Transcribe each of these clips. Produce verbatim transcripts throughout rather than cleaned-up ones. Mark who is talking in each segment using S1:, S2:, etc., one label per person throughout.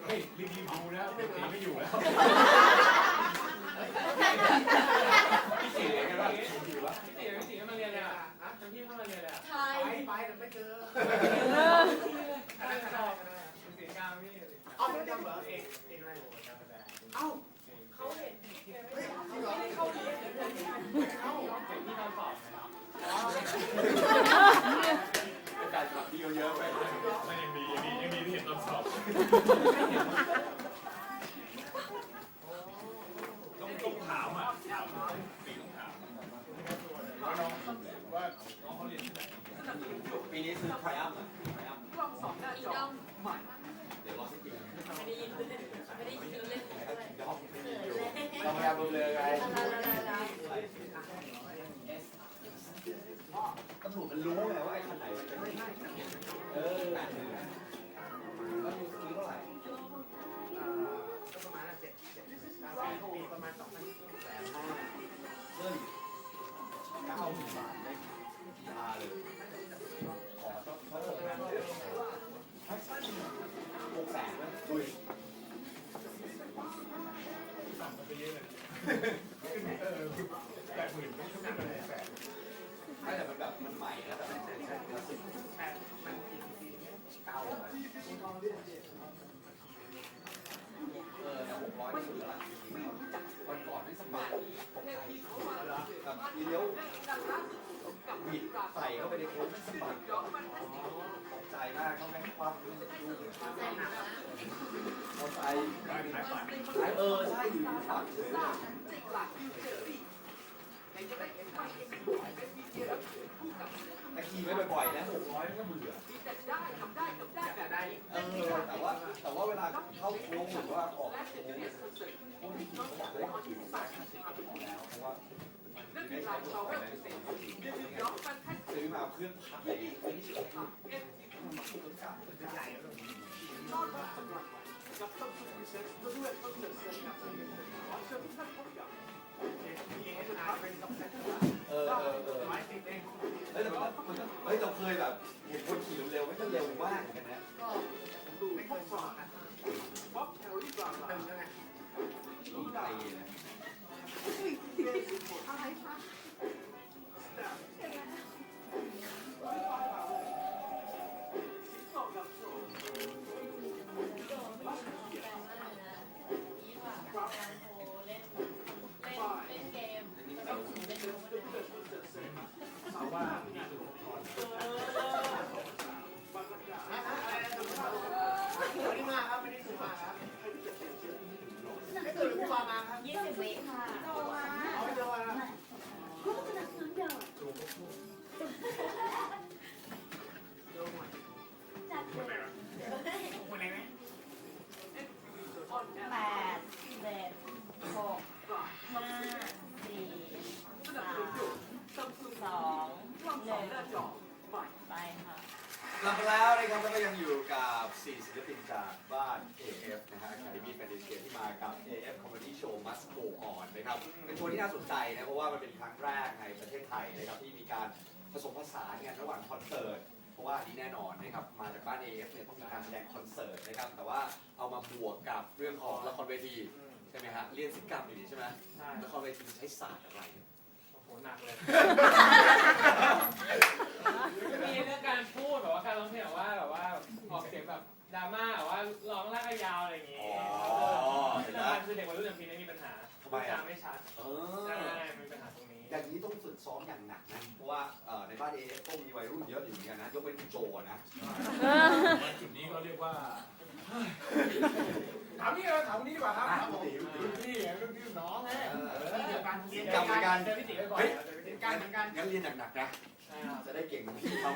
S1: ฮ้ยรีบรีบดูนะพี่ตีไม่อยู่แล้วพี่ตีกันวะพี่ตีพี่ตีพี่ตีมาเรียนเลยอ่ะจำพี่เข้ามาเรียนเลยอ่ะ
S2: ใช่ไปแต่ไม่เจอ
S1: อะไรสอบสีกลางพี่
S2: เอาไม่จำเหรอเอก
S1: เองอะไรโหจำไม่ได้
S2: เอ้า
S3: เขาเห็น
S2: ไม่ได้เข้าเรียน
S1: เอ้าเด็กที่ตอนสอบการสอบพี่เขาเยอะไปไม่ยังดียังดียังดีที่เห็นตอนสอบต้องต้องถามอ่ะถามปีต้องถามว่าน้องว่าน้องเขาเรียนที่ไหน
S4: ปีนี้คือไทรอัมอ่ะไทรอัม
S3: ลองสอบหน้าจอใหม่
S4: เดี๋ยวรอสักที
S3: ไม่ได้ยินไม่ได้ยินเล่นอะไร
S4: ยอมไม่มีอยู่
S1: เราพยายามดูเลยไง
S4: ตำรวจมันรู้ไงว่าไอ้คันไหนมันเป็นเออแปดหมื่นแล้วดูซื้อเท่าไหร่
S2: ก็ประมาณเจ็ดเจ็ดปีประมาณสองพันแสนห้า
S4: เฮ้ยเก้าหมื่นบาทได้ทีอาร์เลยขอต้องเขาส่งงานเดือนหกแสนนะดุย
S1: ต่ำไปเยอะเลยเออแปดหมื่นไม่ต้องเป็นแปด
S4: ไม่แต่มันแบบมันใหม่แล้วแต่มันใช่คลาสสิก
S2: แต่มันกี่ปี
S4: เก้าเออหกร้อยสุดแล้ววันก่อนไม่สบายแบบมีเลี้ยวบิดใส่เข้าไปในโค้งไม่สบายตกใจมากเขาแม่งคว่ำลูกมอไซค์เออใช่อยู่ที่ฝั่งเลยแต่ขี่ไม่บ่อยๆนะหกร้อยก็เบื่อเออแต่ว่าแต่ว่าเวลาเข้าโค้งหรือว่าออกโค้งพวกที่ขี่เขาบอกว่าขี่สายห้าสิบก็พอแล้วเพราะว่าไม่ใช่พวกอะไรซื้อมาเครื่องพับเลยไม่ใช่เครื่องมาคู่กันใหญ่เลยเออเออเออเฮ้ยแต่มันเฮ้ยเราเคยแบบเห็นคนขี่เร็วๆไม่ก็เร็วมากเหมือนกันนะ
S2: ก็ดูไม่ค่อยสอบอ่ะป๊อปแคลอรี่กลางตึงแล้วไง
S4: ลูกตีนะ
S3: อะไรคะ
S1: เอาว่า
S2: วันนี้มาครับวันนี้สุมาครับไม่ตื่นผู้มามาครับ
S3: ยี่สิบวิค่ะโตมา
S2: เอาไปเจอมา
S3: ก็จะนักน้ำเดือดจัดเลย
S2: คนไหนไหม
S3: แปดเจ็ดหกห้าสี่สามสองหนึ่งไปค่ะ
S4: กลับมาแล้วนะครับแล้วก็ยังอยู่กับสี่ศิลปินจากบ้าน เอ เอฟ นะฮะ Academy Fantasy ที่มากับ เอ เอฟ Comedy Show Must Go On นะครับเป็นโชว์ที่น่าสนใจนะเพราะว่ามันเป็นครั้งแรกในประเทศไทยนะครับที่มีการผสมผสานกันระหว่างคอนเสิร์ตเพราะว่าอันนี้แน่นอนนะครับมาจากบ้าน เอ เอฟ เนี่ยต้องมีการแสดงคอนเสิร์ตนะครับแต่ว่าเอามาบวกกับเรื่องของละครเวทีใช่ไหมฮะเรียนศิลปกรรมอยู่นี่ใช่ไหม
S1: ใช่
S4: ละครเวทีใช้ศาสตร์อะไร
S1: โอ้โหหนักเลยมีเรื่องการพูดแบบว่าการร้องเพลงแบบว่าแบบว่าออกเสียงแบบดราม่าแบบว่าร้องลากยาวอะไรอย่างงี้ที่สำคัญคือเด็กวัยรุ่นอย่างพี่นี่มีปัญหาจำไม่ชัดใช่มีปัญหาตรงนี้
S4: อย่างนี้ต้องฝึกซ้อมอย่างหนักนะเพราะว่าในบ้าน เอ เอฟ ก็มีวัยรุ่นเยอะอยู่เหมือนกันนะยกเว้นคุณโจนะ
S1: จุดนี้ก็เรียกว่าถามนี่เลยถามนี่ดีกว่าครับพี่พี่พี่น้องไง
S2: เดียวกันเรียน
S4: กลับเหมือนกัน
S1: เจอพี่ติ๋วบ่อยเจอพี่ติ๋ว
S2: กันเหมือนกัน
S4: งั้นเรียนหนักๆนะจะได้เก่งเหมือนพี่เขา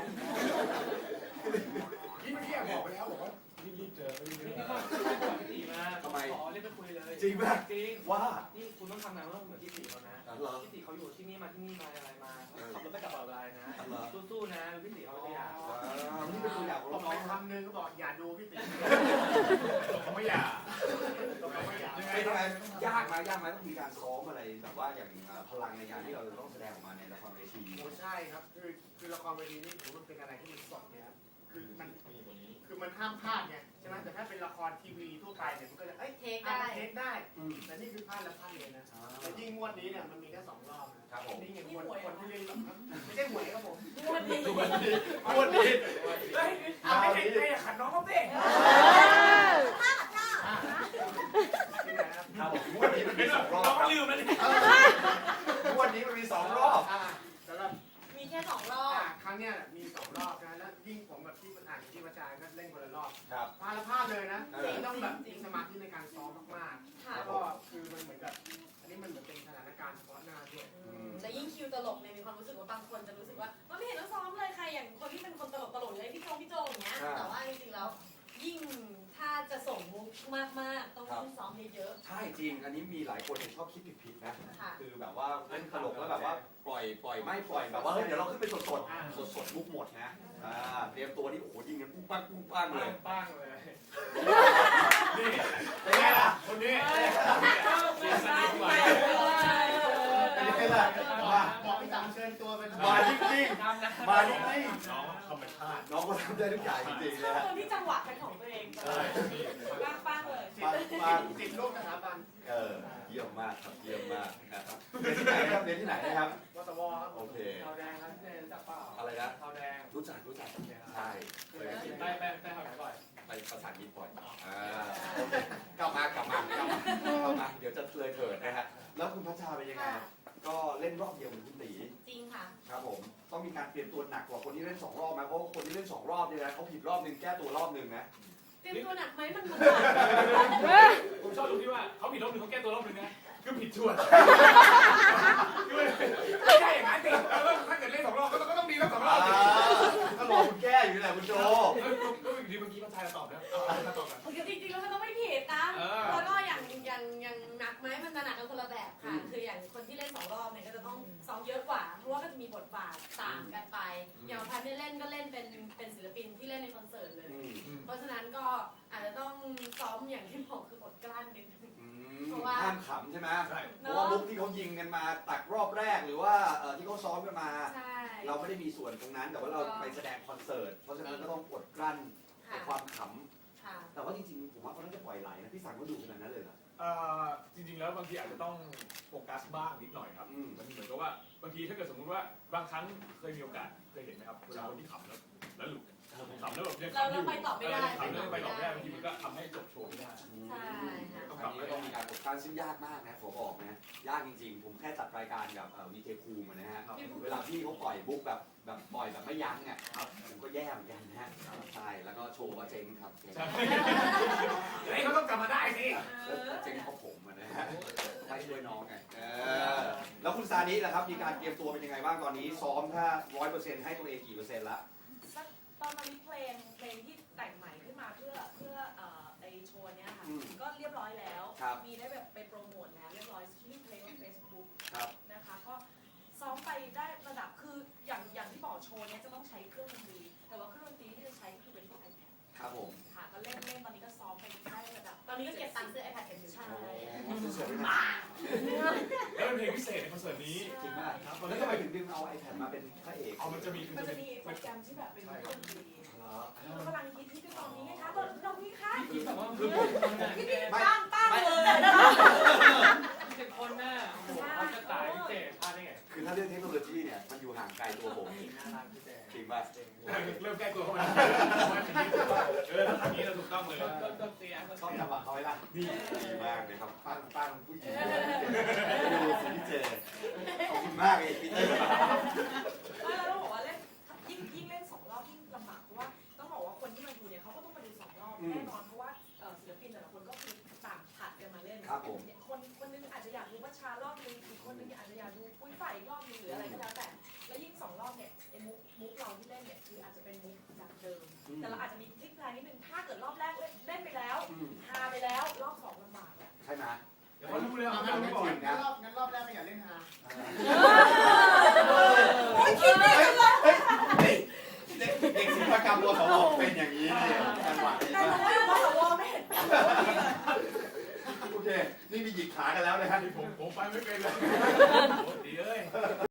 S2: ที่เมื่อกี้บอกไปแล้วบอกว่า
S1: รีบๆเจอรีบๆนี่ก็บอกพี่ติ๋วมาทำไมขอเรียกไปคุยเลย
S4: จริงป่ะ
S1: จริง
S4: ว่า
S1: นี่คุณต้องทำงานว่าเหมือนพี่ติ๋วเขานะพี่ติ๋วเขาอยู่ที่นี่มาที่นี่มาอะไรมาขับรถไปกับเราอะไรนะสู้ๆนะพี่ติ๋วเขาไม่อยาก
S4: นี่เป็นตัวอย่างของ
S2: บอก
S4: น้
S2: ไป
S4: อง
S2: คำนึงก็บอกอย่าดูพี่ติ๋ว
S1: เขาไม่อยาก
S4: เป็นไงยากไหมยากไหมต้องมีการซ้อมอะไรแบบว่าอย่างพลังในการที่เราจะต้องแสดงออกมาในละครเวที
S2: โอ้ใช่ครับคือคือละครเวทีนี่ถือว่าเป็นอะไรที่มันสดเนี่ยครับคือมันคือมันห้ามพลาดไงใช่ไหมแต่ถ้าเป็นละครทีวีทั่วไปเนี่ยมันก็จะเอ้ย
S3: เทคได้
S2: เทคได้แต่นี่คือพลาดแล้วพลาดเลยนะแต่ยิ่งงวดนี้เนี่ยมันมีแค่สองรอบนะครับ
S4: ผม
S2: นี่ไงงวดคนที่เล่นแบบไม่ใช่หวยครับผม
S3: งวดนี้
S4: งวดนี้งวดนี้
S2: เฮ้ยเอาไม่ได้ไม่ได้ขัดน้องเขาเต้
S3: ท่าท่า
S2: ที่ไหนครับ
S4: ครับผมงวดนี้มันมีสองรอบ
S1: น้อง
S4: ครับ
S1: ลืมแล้วนี่
S4: งวดนี้มันมีสองรอบ
S2: อ่าสำหรับ
S3: มีแค่สองรอบ
S2: อ่าครั้งเนี้ยมีสองรอบนะแล้วยิ่งผมกับที่มันอ่านที่ประจานก็เล่นคนละรอบ
S4: ครับ
S2: พลาดแล้วพลาดเลยนะ
S4: เออ
S2: ต้องแบบมีสมาธิในการซ้อมมากๆ
S3: ค่ะ
S2: แล้วก็คือมันเหมือนกับอันนี้มันเหมือนเป็นสถานการณ์เฉพาะหน้าด้วย
S3: แต่ยิ่งคิวตลกเนี่ยมีความรู้สึกว่าบางคนจะรู้สึกว่ามันไม่เห็นต้องซ้อมเลยใครอย่างคนที่เป็นคนตลกตลกเลยพี่โจพี่โจอย่างเงี้ยแต่ว่าจริงๆแล้วยิ่งถ้าจะส่งมุกมากๆต้องยิ่งซ้อมเยอะ
S4: ใช่จริง อันนี้มีหลายคนชอบคิดผิดๆนะ
S3: ๆค่ะ
S4: คือแบบว่าเล่นตลกแล้วแบบว่าปล่อยปล่อยไม่ปล่อยแบบว่าเฮ้ยเดี๋ยวเราขึ้นไปสดสดสดสดๆมุกหมดนะอ่าเตรียมตัวนี่โอ้โหยิงกันปุ้งปังปุ้งปังเลย
S1: ป้างเลย
S2: นี่เป็นไงล่ะคนนี้
S4: เป็นไงล่ะมา
S2: บอกพี่ตังเชิญตัวเป็น
S4: มาจริง
S1: ตามนะ
S4: ๆมาจริง
S2: น้องธรรมชาติ
S4: ๆน้องก็ทำได้ทุกอย่างจริงๆ
S3: ช
S4: เลย
S3: อบ
S4: ฮะ
S3: คนที่จังหวะเป็นของตัวเองป้างป้างเลย
S2: ติดติดโรคสถาบัน
S4: เออเยี่ยมมากครับเยี่ยมมากนะครับเรียนที่ไหนครับเรียนที่ไหนนะครับ
S2: วสวครับ
S4: โอเค
S1: ขาวแดงครับเจ๊จับเปล่า
S4: อะไรนะ
S1: ขาวแดง
S4: รู้จักรู้จักใช่เคยกิน
S1: ไปไปไปขาวแดงบ่อย
S4: ไปภาษาอังกฤษบ่อยอ่าโอเคกลับมากลับมากลับมากลับมาเดี๋ยวจะเลยเถิดนะฮะแล้วคุณพัชชาเป็นยังไง ก็เล่นรอบเดียวเหมือนคุณตี
S3: จริงค่ะ
S4: ครับผมต้องมีการเตรียมตัวหนักกว่าคนที่เล่นสองรอบไหมเพราะว่าคนที่เล่นสองรอบเนี่ยนะเขาผิดรอบหนึ่งแก้ตัวรอบหนึ่งนะ
S3: เตรียมตัวหนักไหมมันมัน
S1: ผมชอบตรงที่ว่าเขาผิดรอบหนึ่งเขาแก้ตัวรอบหนึ่งนะคือผิดชวนไม่ใช่อย่างนั้นสิถ้าเกิดเล่นสองรอบก็ต้องก็ต้องดีทั้งสองรอบสิ
S4: ก็รอคุณแก้อยู่แหละคุณโจ
S1: ก็อีกทีเมื่อกี้มันทายตอบนะตอบกัน
S3: จริงๆแล้วมันต้องไม่ผิดนะแล้วก็อย่างอย่างอย่างหนักไหมมันจะหนักกันคนละแบบค่ะ คืออย่างคนที่เล่นสองรอบเนี่ยก็จะต้องซ้อมเยอะกว่า เพราะว่าก็จะมีบทบาทต่างกันไป อย่างพันเนี่ยเล่นก็เล่นเป็นเป็นศิลปินที่เล่นในคอนเสิร์ตเลย เพราะฉะนั้นก็อาจจะต้องซ้อมอย่างที่บอกคืออดกลั้นนิดนึง
S4: ห้ามขำใช่ไหมเพราะว่ามุกที่เขายิงกันมาตักรอบแรกหรือว่าที่เขาซ้อมกันมา
S3: ใช่
S4: เราไม่ได้มีส่วนตรงนั้น แต่ว่าเราไปแสดงคอนเสิร์ต เพราะฉะนั้นก็ต้องอดกลั้นในความข
S3: ค่ะ
S4: ำแต่ว่าจริงๆ ผมว่าเขาน่าจะปล่อยไหลนะ พี่สังก็ดูขนาดนั้นเลยเหรอ
S5: เอ่อจริงๆแล้วบางทีอาจจะต้องโฟกัสบ้างนิดหน่อยครับ
S4: อืม
S5: มันเหมือนกับว่าบางทีถ้าเกิดสมมุติว่าบางครั้งเคยมีโอกาสเคยเห็นไหมครับเวลาคนที่ขำแล้วแล้วหลุดขำแล้วแบบยัง
S3: เรา
S5: ขำอ
S3: เรา
S5: ยู่
S3: ไปต่อไม่ได้
S5: ขำแล้วไปต่อไม่ได้บางทีมันก็ทำให้จบโชว์ไม่ได้
S3: ใช่ค่ะ
S5: ต้อง
S4: ค
S5: ก
S4: รั้
S5: ลั
S4: ง
S5: บ
S4: นี้
S5: มา
S4: ก็ต้องมีการกดกลั้นซึ่งยากมากนะขอบอกนะ ยากจริงๆ ผมแค่จัดรายการกับวีเจคูมานะฮะ เวลาพี่เขาปล่อยบุ๊กแบบแบบปล่อยแบบไม่ยั้งอ่ะครับผมก็แย่เหมือนกันนะฮะใช่แล้วก็โชว์ก็เจ๊งครับ
S5: ใช่เฮ้ยเขาต้องกลับมาได้สิ
S4: แล้วเจ๊งเพราะผมอะนะฮะให้ช่วยน้องไงเออแล้วคุณซานิล่ะครับมีการเตรียมตัวเป็นยังไงบ้างตอนนี้ซ้อมถ้าร้อยเปอร์เซ็นต์ให้ตัวเองกี่เปอร์เซ็นต์ละ
S6: ตอนนี้เพลงเพลงที่แต่งใหม่ขึ้นมาเพื่อเพื่อเอ่อไอโชว์เนี้ยค่ะ
S4: อืม
S6: ก็เรียบร้อยแล้ว
S4: ครับ
S6: มีได้แบบไปโปรโมทแล้วเรียบร้อยชื่อเพลงว่า Facebook
S4: ครับ
S6: นะคะก็ซ้อมไปได้ระดับคืออย่างอย่างที่บอกโชว์เนี้ยจะต้องใช้เครื่องดนตรีแต่ว่าเครื่องดนตรีที่จะใช้คือเป็นพวก iPad
S4: ครับผม
S6: ค่ะก็เล่นเล่นตอนนี้ก็ซ้อมไปได้ระดับ
S3: ตอนนี้ก็เก็บตังค์ซื้อ iPad กันอยู่
S6: ใช่
S4: สวยๆนะ
S5: แล้วเป็นเพลงพิเศษในคอนเสิร์ตนี้
S4: จริงมากแล้วทำไมถึงดึงเอา iPad มาเป็นพระเอก
S5: เอามันจะมีมัน
S6: มัน
S5: จะ
S6: จะ
S5: มี
S6: มีโปรแกรมที่แบบเป็นเครื่องดนตรี
S4: เหรอ
S6: กำลังฮิตที่ตอนนี้ไงคะตอนตอนนี้ค่ะ
S1: คิดแบบว่าคือผมคนน่ะ
S4: ไม่
S6: ตั้งตั้งเลย
S1: เป็นคนน่ะโอ้โหเขาจะตายพิเศษพลาดได้ไง
S4: คือถ้าเรื่องเทคโนโลยีเนี่ยมันอยู่ห่างไกลตัวผม
S1: น่ารักพี่แจ๊
S4: จริงป่ะ
S5: เริ่มใกล้ตัวเข้ามาเออถ้าทำนี้เราถูกต้องเลย
S1: ก็ก็เสียก็
S4: ชอบ
S1: เสีย
S4: จังหวะเขาไหมล่ะนี่ดีมากเลยครับปั้งปั้งผู้หญิงดูสิพี่เจขอบคุณมากเลยพี่เจ
S6: ไม่แล้วต้องบอกว่าเล่นยิ่งยิ่งเล่นสองรอบยิ่งลำบากเพราะว่าต้องบอกว่าคนที่มาดูเนี่ยเขาก็ต้องมาดูสองรอบแน่นอนเพราะว่าศิลปินแต่ละคนก็คือต่างผัดกันมาเล่น
S4: ครับผม
S6: คนคนนึงอาจจะอยากดูวัชชารอบนึงอีกคนนึงอาจจะอยากดูปุ้ยฝ่ายอีกรอบนึงหรืออะไรก็แล้วแต่แล้วยิ่งสองรอบเนี่ยไอ้มุกมุกเราที่เล่นเนี่ยคืออาจจะเป็นมุกจากเดิมแต่เราอาจจะมีพลิกแพลงนิดนึงถ้าเกิดรอบแรกเล่นไปแล้วฮาไปแล้วรอบสองลำบากอ่ะ
S4: ใช่ไหม
S5: เดี๋ยวเขารู้เลย
S2: ตอน
S5: เขา
S2: นั้น
S5: รู้
S2: เป็น